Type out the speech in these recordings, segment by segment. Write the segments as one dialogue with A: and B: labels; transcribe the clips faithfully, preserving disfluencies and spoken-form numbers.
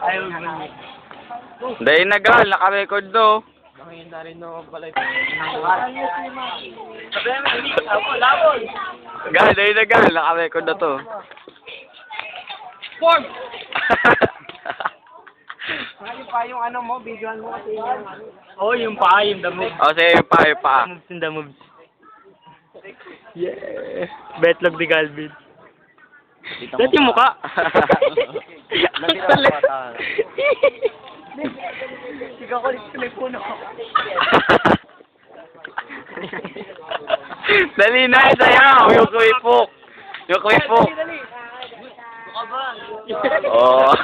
A: Ayaw mo.
B: Dahil nagal, naka-record do.
A: Makikita rin no pala ito. Labol, labol.
B: Gal, dahil nagal, naka-record na to.
A: Form! Ngayon pa yung ano mo, videoan mo kasi yung ano. Oo, yung pa, yung the moves.
B: O, sige, yung pa, yung pa.
A: Moves in the moves. Yeah. Betlog ni Galvin. Dati yung mukha. Sigaw ko ulit sa puno.
B: Dali na, sayaw. Yung kuipok. Yung kuipok. Oo.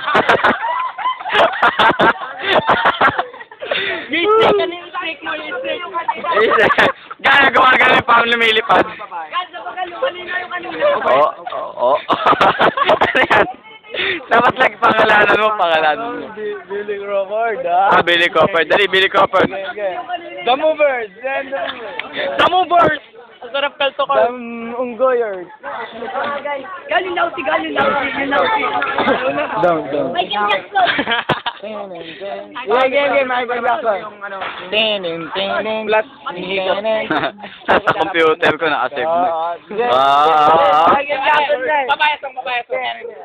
A: Yung stick, ano yung stick mo, yung stick.
B: Gano'n gumagano'n pa ang lumilipad.
A: Gano'n ba yung kanina yung kanina?
B: Oo, oo. Ano yan? Dapat lang pangalanan mo, pangalanan mo.
A: Billy Crawford, ah.
B: Ah, Billy Crawford. Dali, Billy Crawford.
A: The Movers! The Movers! Ang sarap kalto ka. The Unggoyers. Galing Lausi, galing Lausi, galing Lausi.
C: Down, down.
D: Michael Jackson.
C: Yeah, yeah, yeah, Michael Jackson. Tin, tin, tin, tin. Plus,
B: Sa computer ko na-save na.
C: Ah,
B: Ah,
C: Michael Jackson na.
A: Pabayasong, pabayasong.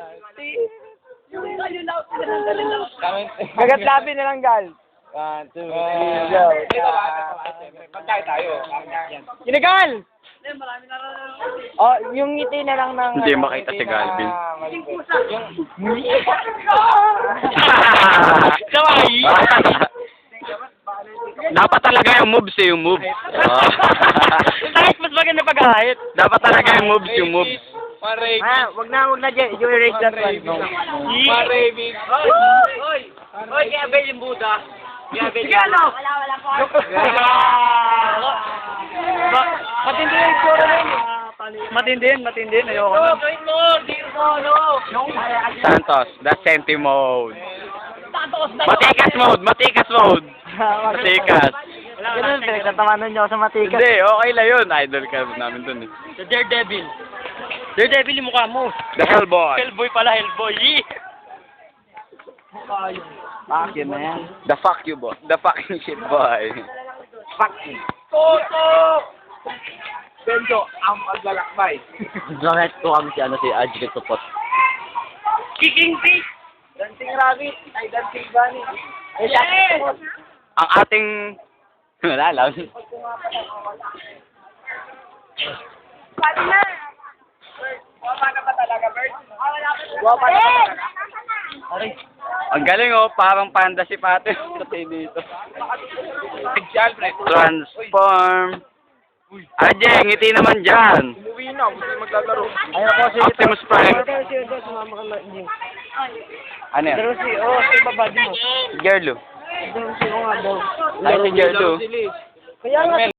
A: Galing Lausi, galing Lausi.
C: Kagat labi na lang, gal. One, two, three, go.
A: Pagkaya tayo.
C: Kinagal! Oh, yung ngiti na lang ng...
B: Hindi
C: ano,
B: makita
C: ngiti
B: si Galvin.
C: na-
A: Saway!
B: Dapat talaga yung moves eh, yung moves. Ah.
A: Kahit mas maganda pag-ahit.
B: Dapat talaga yung moves, yung moves.
C: Ah, wag na, wag na, Jay. You erase that one. No.
A: Maraving. Oy! Oy! Oy, kaya Abel yung Buddha. Kaya Abel yung...
D: Wala, wala po.
A: Matindi yung score na yun. Matindi yun, matindi yun. Ayoko na. Gawin mo! Dito mo, no!
B: Santos, that's senti mode.
A: Santos na!
B: Matikas mode, matikas mode. Matikas.
C: Ganun, pinagtatawanan niyo ako sa matikas.
B: Hindi, okay lang yun. Idol ka namin dun eh.
A: The Daredevil. Daredevil yung mukha mo.
B: The Hellboy.
A: Hellboy pala, Hellboy. Yee!
C: Fuck yun na yan.
B: The fuck you boy. The fucking shit boy.
C: Fuck you.
A: Toto! Benjo, ang maglalakbay.
C: Bakit ko ang si ano si Ajit Tupot?
A: Kicking fish!
C: Dancing rabbit. Ay, dancing bunny.
A: Yes!
B: Ang ating... Wala lang.
D: Pati na.
A: Wapa na ba talaga, Bert?
C: Wapa na
D: Eh!
C: Aray.
B: Ang galing oh, parang panda si Pate. Kasi dito. Transform. Ah, Jeng, ngiti naman dyan.
A: Umuwi na, gusto maglalaro.
C: Ayaw ko si...
B: Optimus Prime.
C: Ayaw ko si... Sumama ka na.
B: Ano yan?
C: Pero si... Oh, si babad mo.
B: Gerlo.
C: Pero si... Oh nga daw.
B: Ay, si Gerlo.
C: Kaya nga...